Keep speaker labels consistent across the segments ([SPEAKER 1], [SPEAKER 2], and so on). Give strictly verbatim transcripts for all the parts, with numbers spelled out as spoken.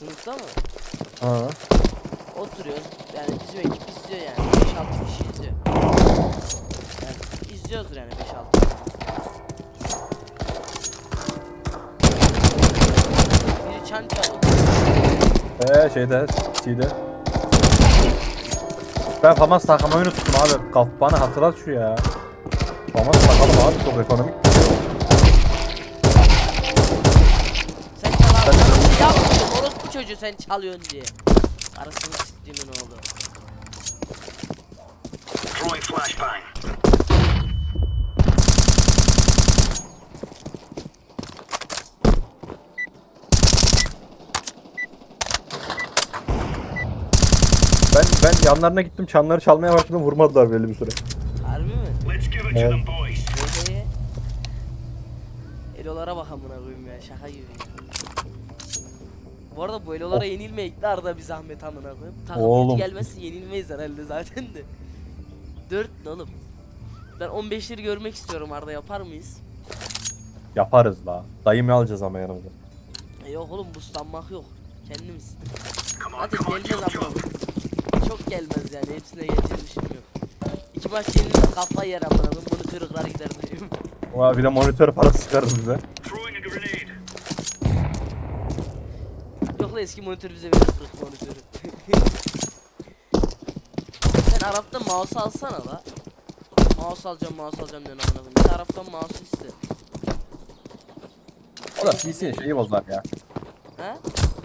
[SPEAKER 1] Sınıfta mı?
[SPEAKER 2] Ha.
[SPEAKER 1] Oturuyoruz. Yani bizim ekip izliyor yani. beş altı kişi izliyor. Yani izliyoruz yani beş altı. Biri çan çalıyor.
[SPEAKER 2] Eee şeyde, C'de. Ben Famas takmayı unuttum abi. Kaf bana hatırlat şu ya. Famas takalım abi, çok ekonomik.
[SPEAKER 1] Sen çal abi. Yapmışsın orospu çocuğu sen çalıyorsun diye. Arasını siktiğimin oğlu.
[SPEAKER 3] Throwing flashbang.
[SPEAKER 2] Ben ben yanlarına gittim, çanları çalmaya başladım, vurmadılar belli bir süre.
[SPEAKER 1] Harbi mi?
[SPEAKER 3] Let's give it to
[SPEAKER 2] Yeah.
[SPEAKER 3] them, boys.
[SPEAKER 1] Böyle. Elolara bak amına koyayım ya, şaka gibi. Bu arada bu elolara yenilmeyek de arada bir zahmet amına koyayım. Takım
[SPEAKER 2] Oğlum.
[SPEAKER 1] kötü gelmezse yenilmeyiz herhalde zaten de. dört ne oğlum? Ben on beşleri görmek istiyorum, Arda yapar mıyız?
[SPEAKER 2] Yaparız la. Dayımı alacağız ama yanımıza.
[SPEAKER 1] E yok oğlum, buslanmak yok. Kendimiz.
[SPEAKER 3] Come on,
[SPEAKER 1] Zaten
[SPEAKER 3] come on,
[SPEAKER 1] gelmez
[SPEAKER 3] jump,
[SPEAKER 1] amına
[SPEAKER 3] jump.
[SPEAKER 1] koyayım. Çok gelmez yani, hepsine getirmişim yok. İki maç yenilmez, kafa yer amına koyayım, bunu kırıklar gider diyeyim.
[SPEAKER 2] Oha, bir de monitör parası çıkarız bize.
[SPEAKER 3] Throwing a grenade.
[SPEAKER 1] Yok la, eski monitör bize verir, kırık monitörü. Sen Arap'tan mouse alsana la. Mouse alacağım, mouse alacağım diyorsun amına koyayım. Bir de Arap'tan mouse iste.
[SPEAKER 2] O da P C'nin şeyi bozar ya.
[SPEAKER 1] He?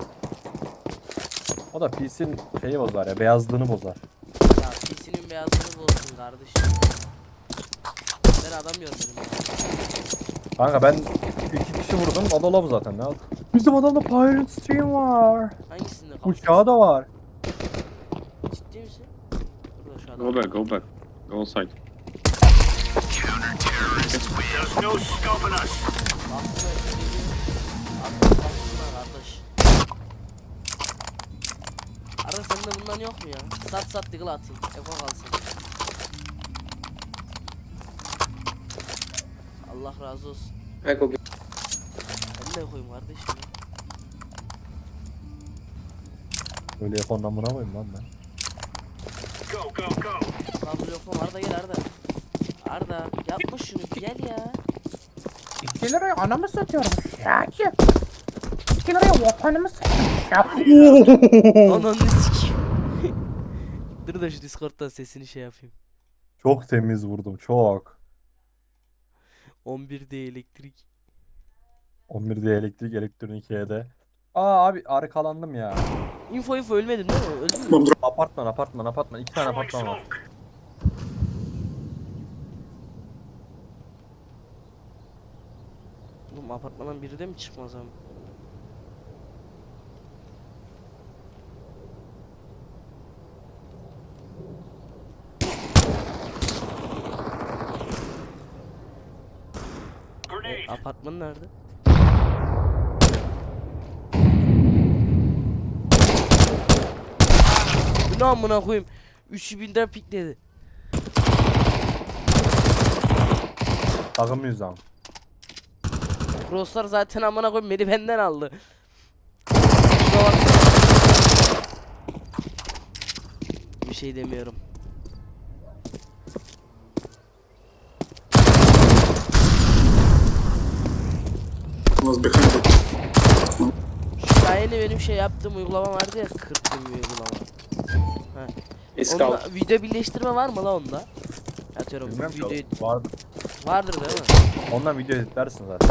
[SPEAKER 2] O da P C'nin şeyi bozar ya, beyazlığını bozar.
[SPEAKER 1] Ya P C'nin beyazlığını bozsun kardeşim. Ben adam görmedim ya.
[SPEAKER 2] Kanka ben iki kişi vurdum, o da lob zaten, ne oldu? Bizim adamda Pirate Stream var.
[SPEAKER 1] Hangisinde kafası?
[SPEAKER 2] Uçağı da var.
[SPEAKER 1] Ciddi misin? Burada şu adam.
[SPEAKER 4] Go back, go back. Go side.
[SPEAKER 3] There's no stopping us.
[SPEAKER 1] Baksana ötürüydü. Artık baksana kardeş. Arada sende bundan yok mu ya? Sat sat diggle atayım. Eko kalsın. Allah razı olsun.
[SPEAKER 5] Eko
[SPEAKER 1] Ben de koyayım kardeşim ya.
[SPEAKER 2] Öyle yapandan buna koyayım lan ben.
[SPEAKER 3] Go, go, go.
[SPEAKER 1] Kabul yok mu? Arda gel Arda. Arda yapma şunu, gel ya.
[SPEAKER 6] iki liraya anamı satıyorum Şakir. iki liraya vatanımı satıyorum Şakir.
[SPEAKER 1] Ananı sikeyim. Dur da şu Discord'dan sesini şey yapayım.
[SPEAKER 2] Çok temiz vurdum, çok.
[SPEAKER 1] on birde elektrik.
[SPEAKER 2] on birde elektrik, elektronik E'de. Aa abi, arkalandım ya.
[SPEAKER 1] Info info ölmedin değil mi? Öldün mü?
[SPEAKER 2] Apartman, apartman, apartman. İki tane
[SPEAKER 3] Throwing
[SPEAKER 2] apartman var.
[SPEAKER 3] smoke.
[SPEAKER 1] Oğlum apartmandan biri de mi çıkmaz abi?
[SPEAKER 3] Grenade.
[SPEAKER 1] Apartman nerede? Bu ne amına koyayım? üç binden pikledi.
[SPEAKER 2] Takım yüzden.
[SPEAKER 1] Crosslar zaten amına koyayım beni benden aldı. Şuna baksana. Bir şey demiyorum. Şu daha yeni benim şey yaptığım uygulama vardı ya, kırptığım bir uygulama.
[SPEAKER 5] is
[SPEAKER 1] Onda
[SPEAKER 5] scout.
[SPEAKER 1] video birleştirme var mı la onda? Atıyorum
[SPEAKER 2] Bilmem
[SPEAKER 1] video
[SPEAKER 2] ki, vardır.
[SPEAKER 1] vardır değil mi?
[SPEAKER 2] Ondan video editlersin zaten.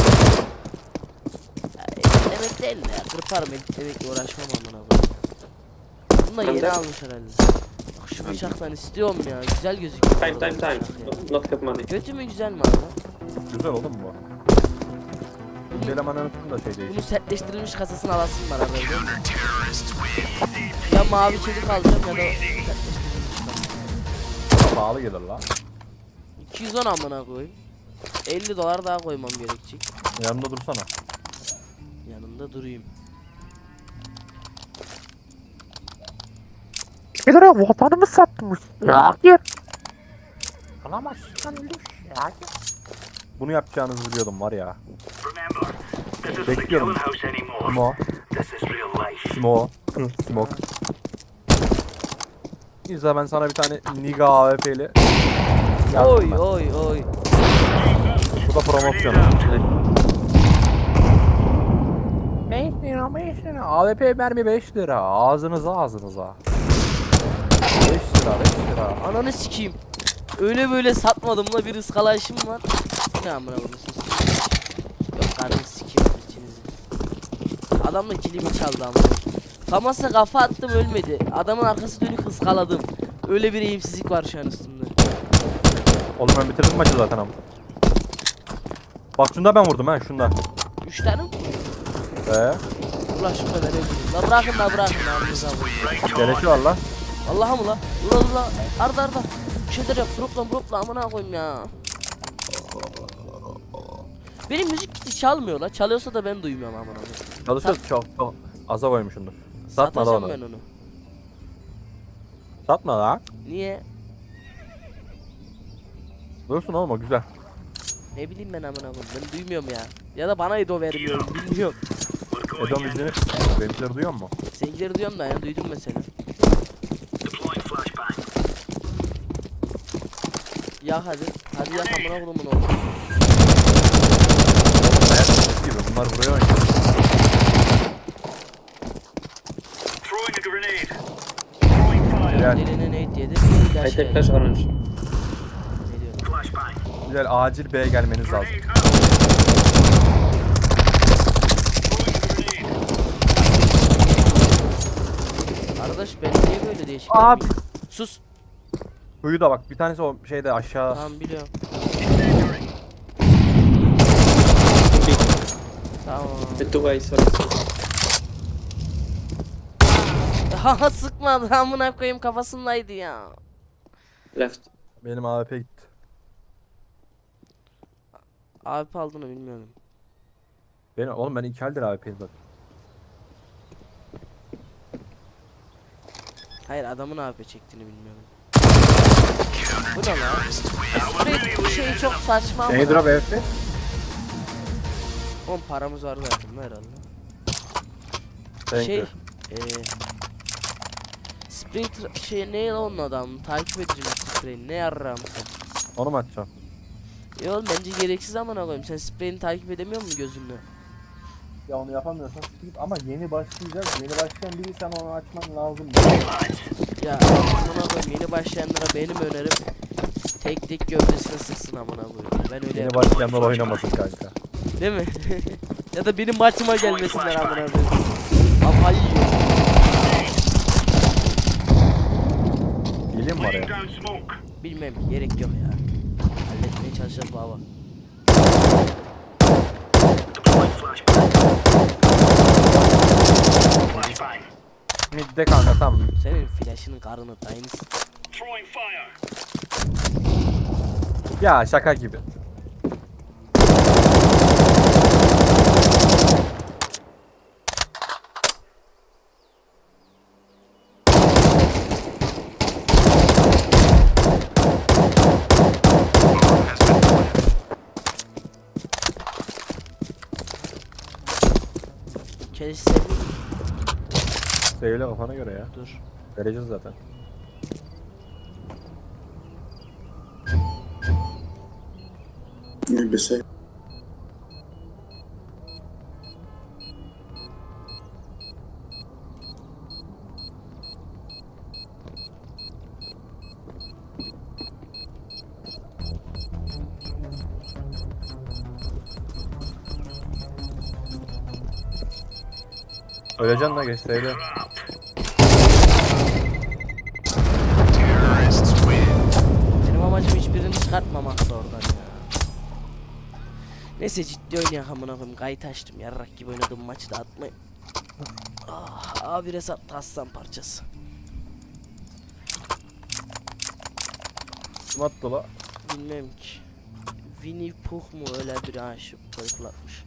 [SPEAKER 1] Ya, editlemek değil de ya, kırparım, editlemekle uğraşmam amına koyayım. Bunu da yeni
[SPEAKER 5] Bende-
[SPEAKER 1] almış herhalde. Bak şu bıçaktan istiyorum ya, güzel gözüküyor. bu
[SPEAKER 5] Time,
[SPEAKER 1] arada
[SPEAKER 5] time,
[SPEAKER 1] bu
[SPEAKER 5] time.
[SPEAKER 1] bıçak ya.
[SPEAKER 5] Not, not have money.
[SPEAKER 1] Kötü mü güzel mi abi?
[SPEAKER 2] Güzel oğlum bu. İkinci elemanın da şey değil.
[SPEAKER 1] Bunun sertleştirilmiş kasasını alasın var arada, biliyor musun? Ya mavi çelik alacağım ya da sertleştirilmiş kasa.
[SPEAKER 2] Pahalı gelir la.
[SPEAKER 1] iki yüz on amına koyayım. elli dolar daha koymam gerekecek.
[SPEAKER 2] Yanında dursana.
[SPEAKER 1] Yanında durayım.
[SPEAKER 6] iki liraya vatanımı satmış Şakir. Alamazsın öyle Şakir.
[SPEAKER 2] Bunu yapacağınızı biliyordum var ya.
[SPEAKER 3] Remember, this isn't the
[SPEAKER 2] Bekliyorum.
[SPEAKER 3] killing house anymore.
[SPEAKER 2] Ama
[SPEAKER 3] This is real life.
[SPEAKER 2] Smoke. Smoke. İzle ben sana bir tane Niga A W P'li.
[SPEAKER 1] Oy oy oy.
[SPEAKER 2] Bu da promosyon. beş lira beş lira. A W P mermi beş lira. Ağzınıza ağzınıza. beş lira beş lira.
[SPEAKER 1] Ananı sikeyim. Öyle böyle satmadım la, bir ıskalayışım var. Ne amına koyayım siz? Yok karnı sikeyim içinizi. Adam da kilimi çaldı ama. Famas'a kafa attım ölmedi. Adamın arkası dönük ıskaladım. Öyle bir eğimsizlik var şu an üstümde.
[SPEAKER 2] Oğlum ben bitirdim maçı zaten ama. Bak şunda ben vurdum ha şunda.
[SPEAKER 1] Üç tane mi?
[SPEAKER 2] Ee,
[SPEAKER 1] Ulan şu kadar öldüm. La bırakın la bırakın la aranıza vurun.
[SPEAKER 2] gelişi var lan.
[SPEAKER 1] Allah'a mı la? Ula ula. Arda arda. Bir şeyler yap. Dropla dropla amına koyayım ya. Benim müzik kiti çalmıyor la. Çalıyorsa da ben duymuyorum amına koyayım.
[SPEAKER 2] Çalışıyoruz çok çok aza koymuşsundur. Satma da
[SPEAKER 1] Satacağım
[SPEAKER 2] onu.
[SPEAKER 1] ben onu.
[SPEAKER 2] Satma la.
[SPEAKER 1] Niye?
[SPEAKER 2] Dursun oğlum o güzel.
[SPEAKER 1] Ne bileyim ben amına koyayım. Ben duymuyorum ya. Ya da bana edo vermiyorum bilmiyorum.
[SPEAKER 2] Edom müziğini benimkileri duyuyor mu?
[SPEAKER 1] Seninkileri duyuyorum da ya, duydum mesela.
[SPEAKER 3] Deploying flashbang.
[SPEAKER 1] Ya hadi. Hadi ya amına koyayım onu.
[SPEAKER 2] Hayat gibi bunlar buraya oynuyor.
[SPEAKER 3] Throwing a grenade. Throwing fire.
[SPEAKER 2] Gel.
[SPEAKER 1] Eline ne yedi?
[SPEAKER 5] I take flash orange.
[SPEAKER 1] Ne diyorum?
[SPEAKER 3] Flashbang.
[SPEAKER 2] Güzel acil B'ye gelmeniz lazım.
[SPEAKER 3] Grenade out. Throwing a grenade.
[SPEAKER 1] Arkadaş ben niye böyle değişik?
[SPEAKER 2] Abi.
[SPEAKER 1] Sus.
[SPEAKER 2] Huyu da bak bir tanesi o şeyde aşağı.
[SPEAKER 1] Tamam biliyorum.
[SPEAKER 3] Incendiary.
[SPEAKER 1] Tamam.
[SPEAKER 5] The two guys sorry.
[SPEAKER 1] Haha sıkmadı amına koyayım, kafasındaydı ya.
[SPEAKER 5] Left.
[SPEAKER 2] Benim A W P gitti.
[SPEAKER 1] Abi aldığını bilmiyorum.
[SPEAKER 2] Benim, oğlum ben iki haldir A W P'yim zaten.
[SPEAKER 1] Hayır adamın A W P çektiğini bilmiyorum. Bu ne lan? Sprey bu şey çok saçma ama.
[SPEAKER 2] Neydi o A W P?
[SPEAKER 1] On paramız var zaten herhalde.
[SPEAKER 2] Thank
[SPEAKER 1] Şey
[SPEAKER 2] you.
[SPEAKER 1] eee Sprey tra- şey ne lan onun adamı takip edeceğim sprey ne yarram sen.
[SPEAKER 2] Onu mu açacağım?
[SPEAKER 1] Ya oğlum bence gereksiz amına koyayım, sen spreyini takip edemiyor musun gözünle?
[SPEAKER 2] Ya onu yapamıyorsan git ama yeni başlayacak. Yeni başlayan biri sen onu açman lazım.
[SPEAKER 1] Ya amına koyayım, yeni başlayanlara benim önerim tek tek gövdesine sıksın amına koyayım. Ben öyle
[SPEAKER 2] Yeni
[SPEAKER 1] yapıyorum.
[SPEAKER 2] başlayanlar oynamasın kanka.
[SPEAKER 1] Değil mi? Ya da benim maçıma gelmesinler amına koyayım. Kafayı yiyor.
[SPEAKER 2] Geleyim mi
[SPEAKER 3] Laying
[SPEAKER 2] oraya?
[SPEAKER 3] down smoke.
[SPEAKER 1] Bilmem gerek yok ya. Halletmeye çalışacağız baba.
[SPEAKER 3] Deploying flashbang. Flashbang.
[SPEAKER 2] Midde kanka tamam.
[SPEAKER 1] Senin flash'ının karını dayınız.
[SPEAKER 3] Throwing fire.
[SPEAKER 2] Ya şaka gibi.
[SPEAKER 1] Keşke sevdim.
[SPEAKER 2] Söyle kafana göre ya.
[SPEAKER 1] Dur.
[SPEAKER 2] Vereceğiz zaten. Öleceksin la geç söyle.
[SPEAKER 1] Benim amacım hiçbirini çıkartmamakta oradan ya. Neyse ciddi oynayak amına koyayım. Kayıt açtım. Yarrak gibi oynadığım maçı da atmayın. Ah, abi resat aslan parçası.
[SPEAKER 2] Kim attı la?
[SPEAKER 1] Bilmem ki. Winnie Pooh mu öyle bir aşık koyuklatmış.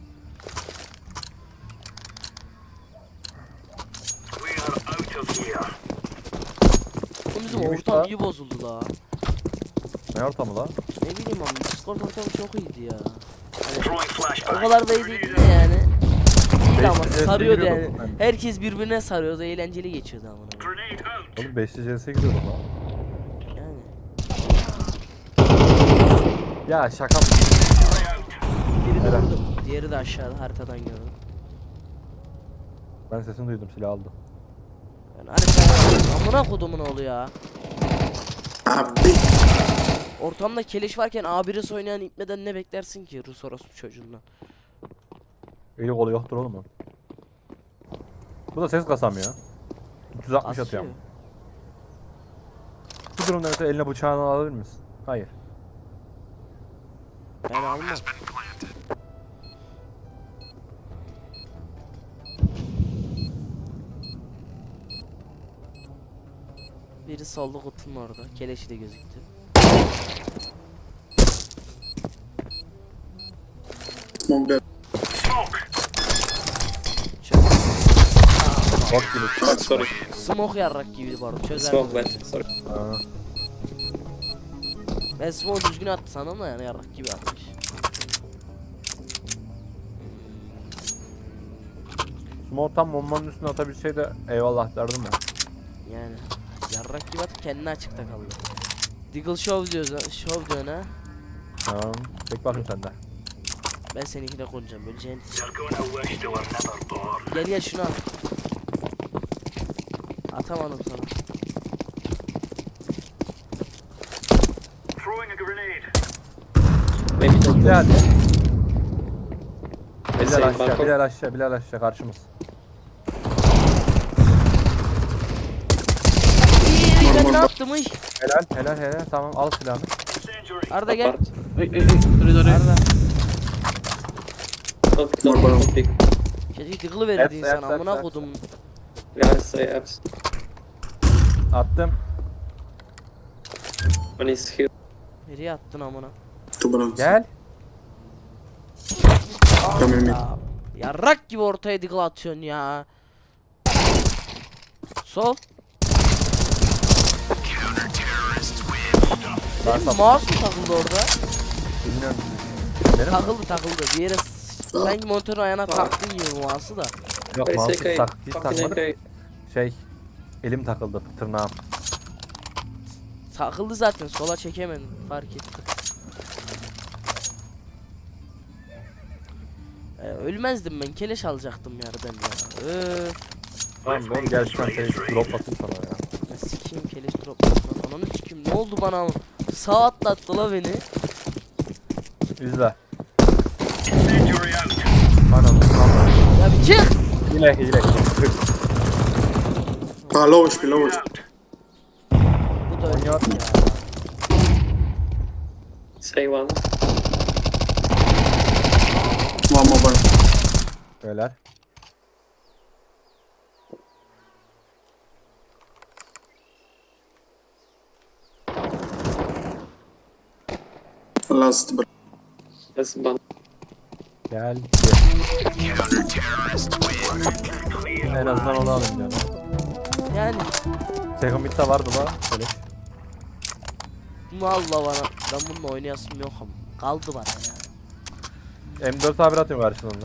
[SPEAKER 3] We are out of here.
[SPEAKER 1] Oğlum bizim
[SPEAKER 2] İyiymiş
[SPEAKER 1] ortam
[SPEAKER 2] la.
[SPEAKER 1] iyi bozuldu la.
[SPEAKER 2] Ne ortamı la?
[SPEAKER 1] Ne bileyim ama Discord ortamı çok iyiydi ya. Hani
[SPEAKER 3] Throwing
[SPEAKER 1] o
[SPEAKER 3] flashbang.
[SPEAKER 1] kadar da iyi değildi de yani. İyi Güzeldi ama
[SPEAKER 2] beşli C S'ye
[SPEAKER 1] sarıyordu yani.
[SPEAKER 2] giriyordum ben.
[SPEAKER 1] Herkes birbirine sarıyordu, eğlenceli geçiyordu ama.
[SPEAKER 3] Grenade out.
[SPEAKER 2] Oğlum beşli C S'ye giriyordum lan.
[SPEAKER 1] Yani.
[SPEAKER 2] Ya şaka mı?
[SPEAKER 1] Biri de
[SPEAKER 2] Helal.
[SPEAKER 1] vurdu. Diğeri de aşağıda haritadan gördüm.
[SPEAKER 2] Ben sesini duydum, silah aldı.
[SPEAKER 1] Ben haritaya amına kodumun oğlu ya.
[SPEAKER 7] Abi.
[SPEAKER 1] Ortamda keleş varken A bir'e oynayan ipmeden ne beklersin ki Rus orospu çocuğundan.
[SPEAKER 2] Eli kolu yoktur oğlum o. Bu da ses kasamıyor. üç yüz altmış atıyor ama. Bu durumda mesela eline bıçağını alabilir misin? Hayır.
[SPEAKER 1] Ben almam. Biri solda kutunun orada. Keleşi de gözüktü.
[SPEAKER 7] Smoke B.
[SPEAKER 3] Smoke.
[SPEAKER 1] Çöz.
[SPEAKER 2] Bok gibi.
[SPEAKER 5] Oh, sorry.
[SPEAKER 1] Smoke yarrak gibiydi bu arada. Çözer.
[SPEAKER 5] Smoke bad. Sorry.
[SPEAKER 2] Ha.
[SPEAKER 1] Ben smoke düzgün attı sandım da yani yarrak gibi atmış.
[SPEAKER 2] Smoke tam bombanın üstüne atabilseydi de eyvallah derdim ya.
[SPEAKER 1] Yani yarrak gibi atıp kendini açıkta kaldı. Deagle Show diyoruz, show diyorsun ha.
[SPEAKER 2] Tamam. Çek bakayım sen de.
[SPEAKER 1] Ben seninkine konacağım böleceğin.
[SPEAKER 3] You're gonna wish they were never born.
[SPEAKER 1] Gel gel şunu al. Atamadım sana.
[SPEAKER 3] Throwing a grenade.
[SPEAKER 5] Maybe don't
[SPEAKER 2] Hadi hadi.
[SPEAKER 5] Let's
[SPEAKER 2] Bilal
[SPEAKER 5] say
[SPEAKER 2] aşağı,
[SPEAKER 5] balkon.
[SPEAKER 2] Bilal aşağı, Bilal aşağı karşımız.
[SPEAKER 1] İyi ben ne yaptım iş?
[SPEAKER 2] Helal, helal, helal. Tamam al silahını.
[SPEAKER 3] Incendiary.
[SPEAKER 1] Arda gel.
[SPEAKER 5] Apart.
[SPEAKER 4] Hey, hey, hey. Sorry, sorry.
[SPEAKER 1] Arda.
[SPEAKER 5] Don't pick, don't pick, don't pick.
[SPEAKER 1] Keşke Deagle'ı verirdi
[SPEAKER 2] Hepsi,
[SPEAKER 1] insan
[SPEAKER 2] hepsi,
[SPEAKER 1] amına
[SPEAKER 2] hepsi,
[SPEAKER 1] kodum.
[SPEAKER 5] Yeah, say apps.
[SPEAKER 2] Attım.
[SPEAKER 5] One is here.
[SPEAKER 1] Nereye attın amına?
[SPEAKER 7] Two balance.
[SPEAKER 2] Gel.
[SPEAKER 7] Come in mid.
[SPEAKER 1] Ya, yarrak gibi ortaya Deagle atıyorsun ya. Sol.
[SPEAKER 2] Ben
[SPEAKER 1] Benim
[SPEAKER 2] sap-
[SPEAKER 1] mouse mu takıldı orada?
[SPEAKER 2] Bilmiyorum. Benim
[SPEAKER 1] Takıldı takıldı. Bir yere s- sanki monitörün ayağına taktın gibi bu mouse'u da.
[SPEAKER 2] yok
[SPEAKER 5] Very
[SPEAKER 2] mouse'u
[SPEAKER 5] okay.
[SPEAKER 2] tak, hiç
[SPEAKER 5] Fucking
[SPEAKER 2] takmadım.
[SPEAKER 5] okay.
[SPEAKER 2] Şey, elim takıldı tırnağım.
[SPEAKER 1] Takıldı zaten sola çekemedim fark ettim. Ee, ölmezdim ben keleş alacaktım yerden ya. Öf.
[SPEAKER 2] Tamam oğlum gel şu an seni drop atayım sana ya.
[SPEAKER 1] Ya sikeyim keleş drop lan. Ananı sikeyim ne oldu bana ama. Sağ atlattı la beni.
[SPEAKER 2] İzle.
[SPEAKER 3] Incendiary out.
[SPEAKER 2] Anam anam.
[SPEAKER 1] Ya bir çık.
[SPEAKER 2] Hile hile.
[SPEAKER 7] Ah, low H P, low H P.
[SPEAKER 3] Out.
[SPEAKER 1] Bu da öyle ya.
[SPEAKER 5] Say one.
[SPEAKER 7] One more bar.
[SPEAKER 2] Beyler.
[SPEAKER 7] Last bar.
[SPEAKER 5] That's one.
[SPEAKER 2] Gel. Gel. En azından onu alayım diyorum.
[SPEAKER 1] Yani
[SPEAKER 2] Second mid'de vardı la. Böyle.
[SPEAKER 1] bunu Allah bana. Ben bununla oynayasım yok ama. Kaldı bana ya.
[SPEAKER 2] M dört A bir atıyorum karşılığında.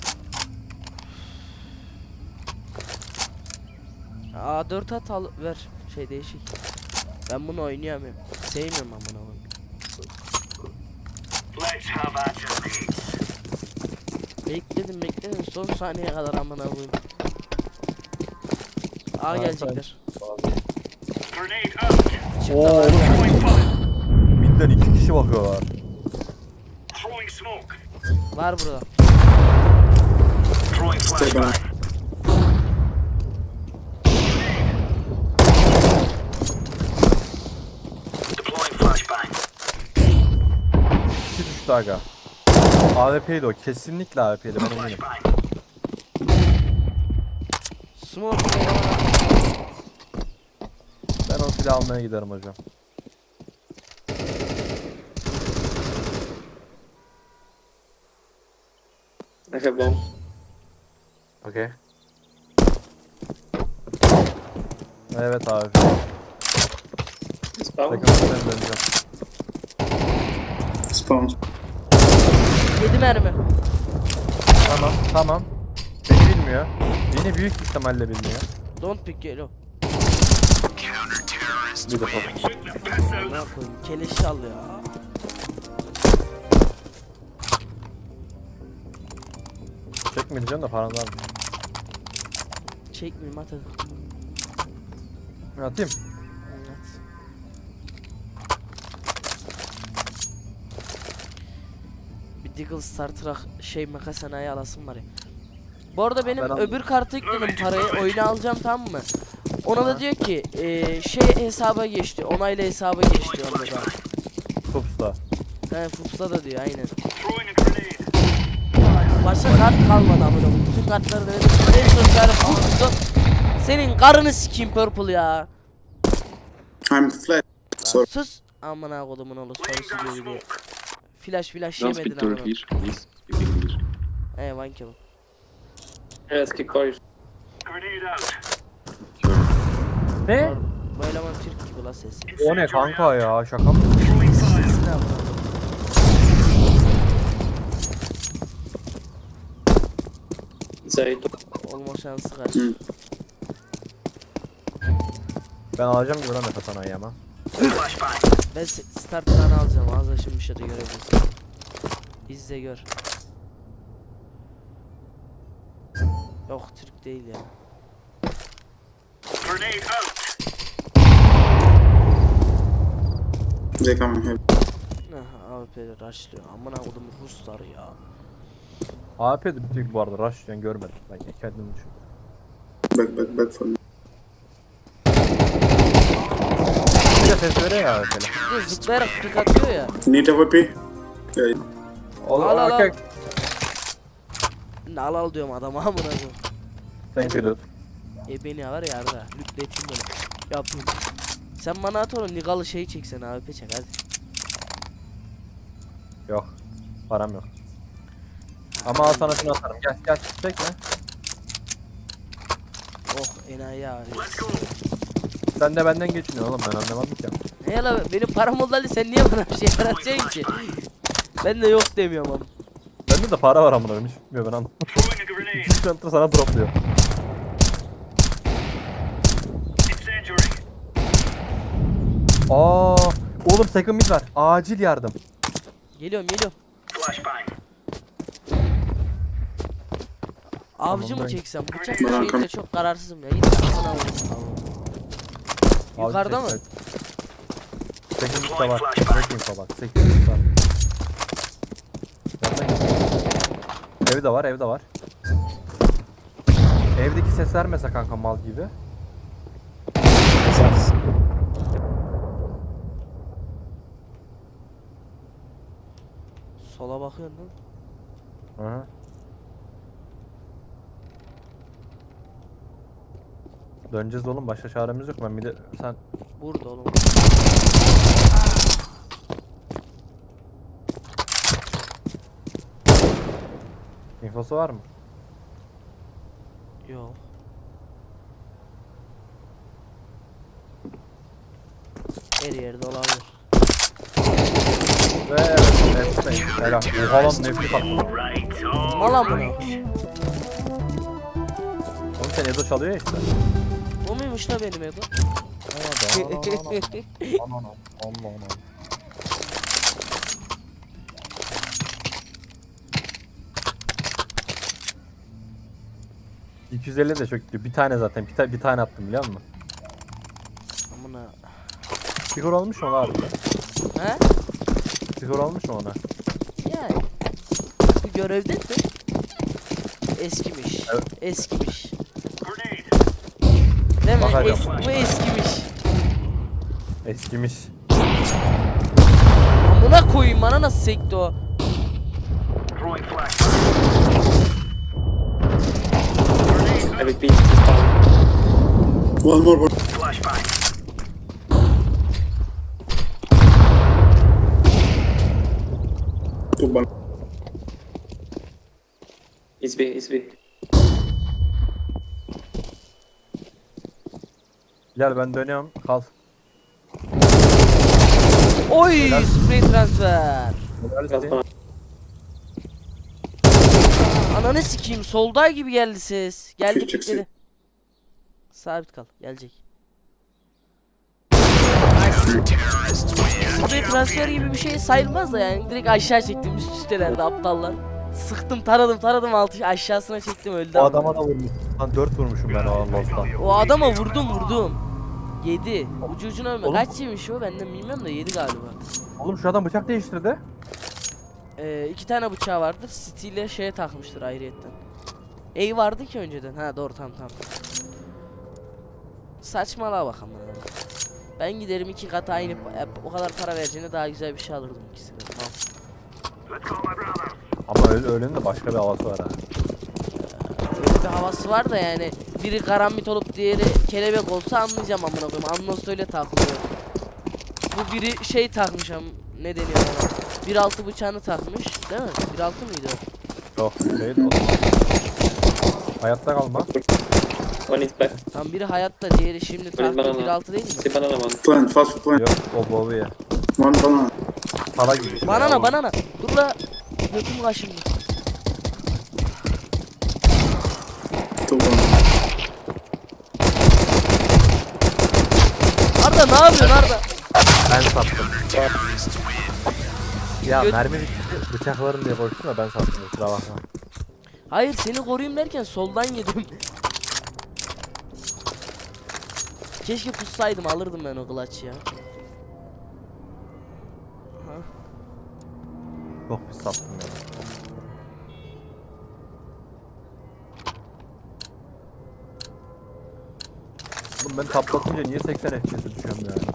[SPEAKER 1] A dört at al ver. Şey değişik. Ben bunu oynayamıyorum. Sevmiyorum ben bunu.
[SPEAKER 3] Let's have at it, mates.
[SPEAKER 1] Bekledim bekledim son saniyeye kadar amına koyayım. A
[SPEAKER 2] Harika.
[SPEAKER 1] gelecekler.
[SPEAKER 3] Grenade out.
[SPEAKER 1] Çıktı
[SPEAKER 2] Oo,
[SPEAKER 1] var.
[SPEAKER 3] Throwing fire.
[SPEAKER 2] Mid'den iki kişi bakıyorlar.
[SPEAKER 3] Throwing smoke.
[SPEAKER 1] Var burada.
[SPEAKER 3] Throwing
[SPEAKER 7] Stay back.
[SPEAKER 3] flashbang. Deploying flashbang.
[SPEAKER 2] İki düştü aga. A W P'ydi o. Kesinlikle A W P'ydi. Ben eminim.
[SPEAKER 3] Flashbang.
[SPEAKER 1] Smoke.
[SPEAKER 2] Ben o silahı almaya giderim hocam.
[SPEAKER 5] I have bomb.
[SPEAKER 2] Okey. Evet abi.
[SPEAKER 5] Spawn.
[SPEAKER 2] Second mid'den döneceğim.
[SPEAKER 7] Spawn.
[SPEAKER 1] Yedi mermi.
[SPEAKER 2] Tamam tamam. Beni bilmiyor. Yine büyük ihtimalle bilmiyor.
[SPEAKER 1] Don't pick yellow.
[SPEAKER 2] Bir de top.
[SPEAKER 1] Ne yapayım? Keleşi al ya.
[SPEAKER 2] Çekmeyeceğim de paran var mı?
[SPEAKER 1] Çekmeyeyim at hadi.
[SPEAKER 2] Atayım.
[SPEAKER 1] At. Bir Deagle Starter'a şey makas sanayi alasım var ya. Bu arada benim
[SPEAKER 2] Ben al-
[SPEAKER 1] öbür kartı yükledim parayı. Oyunu alacağım tamam mı? Ona da diyor ki eee, şey hesaba geçti. Onayla hesaba geçti onda da.
[SPEAKER 2] Topsta.
[SPEAKER 1] He Fups'a da diyor aynen.
[SPEAKER 3] Throwing a grenade.
[SPEAKER 1] Başka kart kalmadı amına koyayım. Bütün kartları denedim. En son çare Fups'tu. Senin karını sikeyim Purple ya.
[SPEAKER 7] I'm flat.
[SPEAKER 1] Lan
[SPEAKER 7] Sorry.
[SPEAKER 1] sus. Amına kodumun oğlu
[SPEAKER 3] Laying
[SPEAKER 1] sorusu
[SPEAKER 3] down
[SPEAKER 1] diyor diye.
[SPEAKER 3] smoke.
[SPEAKER 1] Flash flash
[SPEAKER 4] Don't
[SPEAKER 1] yemedin
[SPEAKER 4] speak to
[SPEAKER 1] amına.
[SPEAKER 4] her here, please. You can hear.
[SPEAKER 1] He one kill.
[SPEAKER 5] Evet ki koy.
[SPEAKER 3] Grenade out.
[SPEAKER 4] Sure.
[SPEAKER 2] Ne?
[SPEAKER 1] Bu eleman Türk gibi la ses.
[SPEAKER 2] O ne kanka ya? Şaka mı?
[SPEAKER 3] Throwing fire.
[SPEAKER 1] Sesine amına koyayım.
[SPEAKER 5] Zeyt.
[SPEAKER 1] Olma şansı kaç.
[SPEAKER 7] Hı.
[SPEAKER 2] Ben alacağım gibi lan Metasana'yı ama.
[SPEAKER 3] Flashbang.
[SPEAKER 1] Ben se- starttan alacağım. Ağzı şimdi bir şey de görebilirsin. İzle gör. Yok Türk değil ya.
[SPEAKER 3] Grenade out.
[SPEAKER 7] They coming here.
[SPEAKER 1] Nah, A W P'de rushlıyor. Amına kodum Ruslar ya.
[SPEAKER 2] A P de bir tek bu arada rush yani görmedim. Ben kendim düşün.
[SPEAKER 7] Back, back, back for me.
[SPEAKER 2] Bir de ses veriyor ya A P'le.
[SPEAKER 1] Bir de zıplayarak tık atıyor ya.
[SPEAKER 7] Need A W P? Yeah.
[SPEAKER 2] Oğlum
[SPEAKER 1] Al, al, al.
[SPEAKER 2] okey.
[SPEAKER 1] Ne al al diyorum adama amına koyayım.
[SPEAKER 2] Thank you dude.
[SPEAKER 1] E beni var ya arada. Lütfettim böyle. Yapayım. Sen bana at onu Nigalı şey çeksen A W P çek hadi.
[SPEAKER 2] Yok. Param yok. Ama al sana şunu atarım. Gel gel çekme.
[SPEAKER 1] Oh enayi ağrıyor.
[SPEAKER 3] Let's go.
[SPEAKER 2] Sen de benden geçiniyorsun oğlum ben anlamadım ki.
[SPEAKER 1] Ne la benim param oldu Ali sen niye bana bir şey yaratacaksın ki? Ben de yok demiyorum ama.
[SPEAKER 2] Bende de para var amına koyayım hiç bilmiyor ben anlamadım.
[SPEAKER 3] Throwing a grenade.
[SPEAKER 2] İki center sana dropluyor.
[SPEAKER 3] Incendiary.
[SPEAKER 2] Aa, oğlum second mid var. Acil yardım.
[SPEAKER 1] Geliyorum geliyorum.
[SPEAKER 3] Flashbang.
[SPEAKER 1] Avcı mı
[SPEAKER 2] ben-
[SPEAKER 1] çeksem? Bıçak
[SPEAKER 7] Ben
[SPEAKER 1] şeyinde
[SPEAKER 7] arkam-
[SPEAKER 1] çok kararsızım ya. Git amına koyayım. Yukarıda mı?
[SPEAKER 2] Second mid de var. Second mid var. Second mid var. Yanına git. Evde var, evde var. Evdeki ses vermese kanka mal gibi.
[SPEAKER 1] Sola bakıyorsun lan.
[SPEAKER 2] Hı hı. Döneceğiz oğlum başka çaremiz yok. Ben bir de sen
[SPEAKER 1] Burada oğlum.
[SPEAKER 2] infosu var mı?
[SPEAKER 1] Yok. Her yerde olabilir.
[SPEAKER 2] Ve evet, nefret. Helal. Oha lan nefret attı.
[SPEAKER 3] Right. All
[SPEAKER 1] Mala mı?
[SPEAKER 2] Oğlum sen Edo çalıyor ya işte.
[SPEAKER 1] O muymuş la benim Edo?
[SPEAKER 2] Aman aman. Allah Allah. iki yüz elli de çok diyor. Bir tane zaten. Bir, ta bir tane attım biliyor musun?
[SPEAKER 1] Amına.
[SPEAKER 2] Skor olmuş mu abi?
[SPEAKER 1] He?
[SPEAKER 2] Skor olmuş mu ona?
[SPEAKER 1] Yani. Bu görevde mi? Eskimiş.
[SPEAKER 2] Evet.
[SPEAKER 1] Eskimiş.
[SPEAKER 3] grenade.
[SPEAKER 1] Değil mi?
[SPEAKER 2] Bakacağım.
[SPEAKER 1] Es bu eskimiş.
[SPEAKER 2] Eskimiş.
[SPEAKER 1] Amına koyayım bana nasıl sekti o?
[SPEAKER 3] Throwing flashbang.
[SPEAKER 5] I repeat, he's down.
[SPEAKER 7] One more, one.
[SPEAKER 3] Flashbang.
[SPEAKER 7] Two bal.
[SPEAKER 5] He's B, he's B.
[SPEAKER 2] Gel ben dönüyorum. Kal.
[SPEAKER 1] Oy spray transfer.
[SPEAKER 5] That's fine.
[SPEAKER 1] Ananı sikeyim, solday gibi geldi ses. Geldi
[SPEAKER 7] Küçük
[SPEAKER 1] kilitledi. Sabit kal, gelecek. Sprey transfer gibi bir şey sayılmaz da yani direkt aşağı çektim, üst üstelerdi aptallar. Sıktım, taradım taradım altı aşağısına çektim, öldü.
[SPEAKER 2] O
[SPEAKER 1] ama.
[SPEAKER 2] adama da vurmuş. Lan dört vurmuşum ben o Lost'tan.
[SPEAKER 1] O adama vurdum vurdum. Yedi. Ucu ucuna ölme.
[SPEAKER 2] Oğlum.
[SPEAKER 1] Kaç yemiş o, benden bilmiyorum da yedi galiba.
[SPEAKER 2] Oğlum şu adam bıçak değiştirdi.
[SPEAKER 1] Ee, iki tane bıçağı vardır. City ile şeye takmıştır ayrıyetten. A vardı ki önceden. Ha doğru, tamam tamam. Saçmalığa bak ama. Ben giderim iki kat aynı e, o kadar para vereceğine daha güzel bir şey alırdım ikisine. Tamam.
[SPEAKER 3] Let's go, my brothers.
[SPEAKER 2] Ama öyle, öğlenin de başka bir havası var ha.
[SPEAKER 1] Böyle bir havası var da yani biri karambit olup diğeri kelebek olsa anlayacağım amına koyayım. Anlos öyle takılıyor. Bu biri şey takmış am ne deniyor ona? bir altı bıçağını takmış, değil mi? bir altı mıydı o?
[SPEAKER 2] Yok değil o. Hayatta kalma.
[SPEAKER 5] One is back.
[SPEAKER 1] Tam biri hayatta, diğeri şimdi taktı.
[SPEAKER 5] banana.
[SPEAKER 1] bir altı değil mi?
[SPEAKER 5] See banana one.
[SPEAKER 7] Plant, fast plant.
[SPEAKER 2] Yok o bovu ya.
[SPEAKER 7] One banana.
[SPEAKER 2] Para gibi. işte ya,
[SPEAKER 1] Banana
[SPEAKER 2] o.
[SPEAKER 1] banana. Dur la. Götüm kaşındı.
[SPEAKER 7] Two banana.
[SPEAKER 1] Arda ne yapıyorsun Arda?
[SPEAKER 2] Ben sattım. Ya
[SPEAKER 1] Göt-
[SPEAKER 2] mermi bitti. Bıçaklarım diye koştum da ben sattım. Kusura bakma.
[SPEAKER 1] Hayır, seni koruyayım derken soldan yedim. Keşke pussaydım, alırdım ben o clutch'ı ya. Ha.
[SPEAKER 2] Çok pis sattım ya. Oğlum ben taplatınca niye seksen F P S'e düşüyorum yani?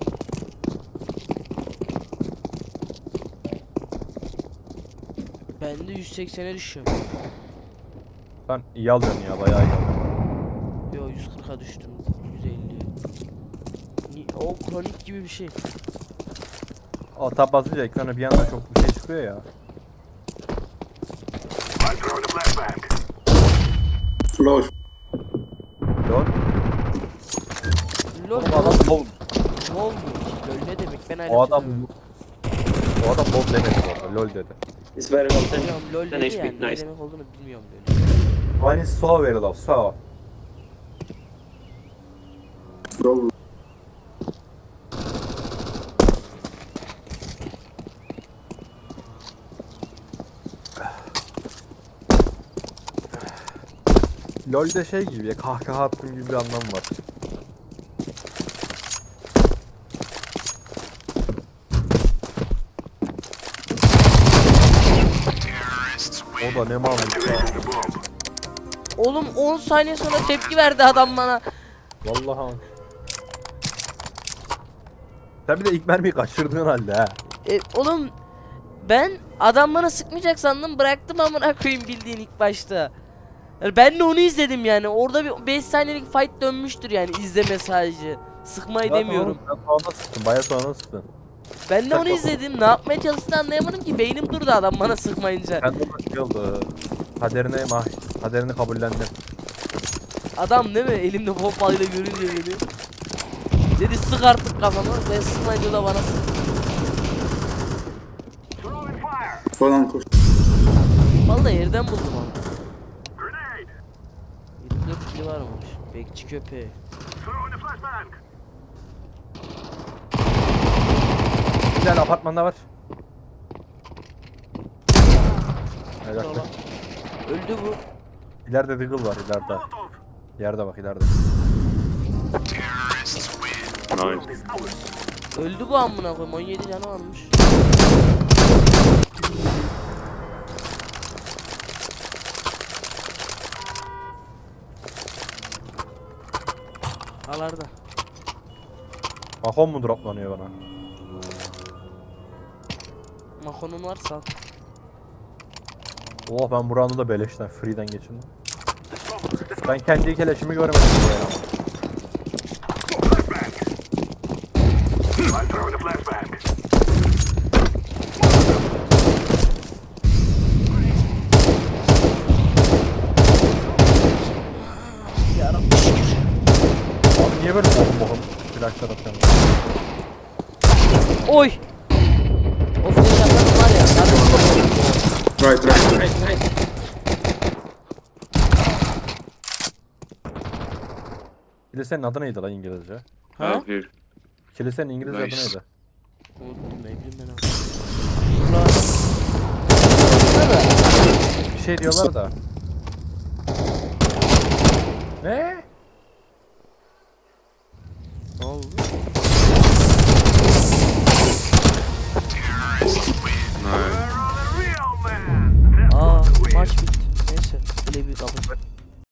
[SPEAKER 1] Ben de yüz seksene düşüyorum.
[SPEAKER 2] Sen iyi alıyorsun ya, bayağı iyi alıyorsun.
[SPEAKER 1] Yo, yüz kırka düştüm. yüz elliye. Ni- O kronik gibi bir şey.
[SPEAKER 2] O tab basınca ekrana bir anda çok bir şey çıkıyor ya.
[SPEAKER 3] I'm throwing a flashbang.
[SPEAKER 7] Low.
[SPEAKER 2] Lol.
[SPEAKER 1] Lol.
[SPEAKER 2] O adam lol.
[SPEAKER 1] Ne oldu? Lol ne demek? Ben hala
[SPEAKER 2] O adam
[SPEAKER 1] çözemedim.
[SPEAKER 2] O adam lol demedi bu arada, lol dedi.
[SPEAKER 5] It's very well done.
[SPEAKER 1] Bilmiyorum, lol
[SPEAKER 5] Then
[SPEAKER 1] dedi
[SPEAKER 5] H P,
[SPEAKER 1] yani. Ne
[SPEAKER 5] nice.
[SPEAKER 1] demek olduğunu bilmiyorum böyle.
[SPEAKER 2] One is so very low, so.
[SPEAKER 7] Low.
[SPEAKER 2] LoL'de şey gibi ya, kahkaha attığım gibi bir anlam var. O da ne malmış ya.
[SPEAKER 1] Oğlum on saniye sonra tepki verdi adam bana.
[SPEAKER 2] Vallahi. Sen bir de ilk mermiyi kaçırdığın halde ha.
[SPEAKER 1] E, oğlum ben adam bana sıkmayacak sandım, bıraktım amına koyayım bildiğin ilk başta. Yani ben de onu izledim yani. Orada bir beş saniyelik fight dönmüştür yani, izleme sadece. Sıkmayı
[SPEAKER 2] Zaten
[SPEAKER 1] demiyorum.
[SPEAKER 2] oğlum, sen sonra sıktın, bayağı sonra sıktın.
[SPEAKER 1] Ben de
[SPEAKER 2] Sen
[SPEAKER 1] onu
[SPEAKER 2] kapat.
[SPEAKER 1] izledim. Ne yapmaya çalıştığını anlayamadım ki. Beynim durdu adam bana sıkmayınca.
[SPEAKER 2] Ben de şey oldu. Kaderine mah, kaderini kabullendim.
[SPEAKER 1] Adam değil mi? Elimde pompalıyla görünce beni. Dedi sık artık kafama. Ben sıkmayınca o da bana sıktı.
[SPEAKER 3] Throwing fire.
[SPEAKER 7] Banana push.
[SPEAKER 1] Vallahi yerden buldum ama.
[SPEAKER 3] Grenade.
[SPEAKER 1] yirmi dört kili varmış. Bekçi köpeği.
[SPEAKER 3] Throwing a flashbang.
[SPEAKER 2] Bir tane apartmanda var. Evet,
[SPEAKER 1] Tamam. Öldü bu.
[SPEAKER 2] ileride Deagle var, ileride.
[SPEAKER 3] Molotov.
[SPEAKER 2] Yerde bak, ileride.
[SPEAKER 4] Nice.
[SPEAKER 1] Öldü bu amına koyayım. on yedi canı varmış. Alarda.
[SPEAKER 2] Mahon mu droplanıyor bana?
[SPEAKER 1] Mahonun varsa al.
[SPEAKER 2] Oh, ben buranı da beleşten, free'den geçirdim. Ben kendi keleşimi görmedim yani.
[SPEAKER 3] I'm throwing a flashbang.
[SPEAKER 1] Yarabbim şükür.
[SPEAKER 2] Abi niye böyle bohum bohum flashlar atıyorum?
[SPEAKER 1] Oy. O flash atan var ya. Zaten
[SPEAKER 7] Right, right, right.
[SPEAKER 5] Right, right.
[SPEAKER 2] Kilisenin adı neydi lan İngilizce?
[SPEAKER 1] Ha?
[SPEAKER 4] Out here.
[SPEAKER 2] Kilisenin İngilizce
[SPEAKER 4] Nice.
[SPEAKER 2] adı neydi?
[SPEAKER 1] Unuttum ne bileyim ben abi.
[SPEAKER 2] Bir şey diyorlar da. Ne?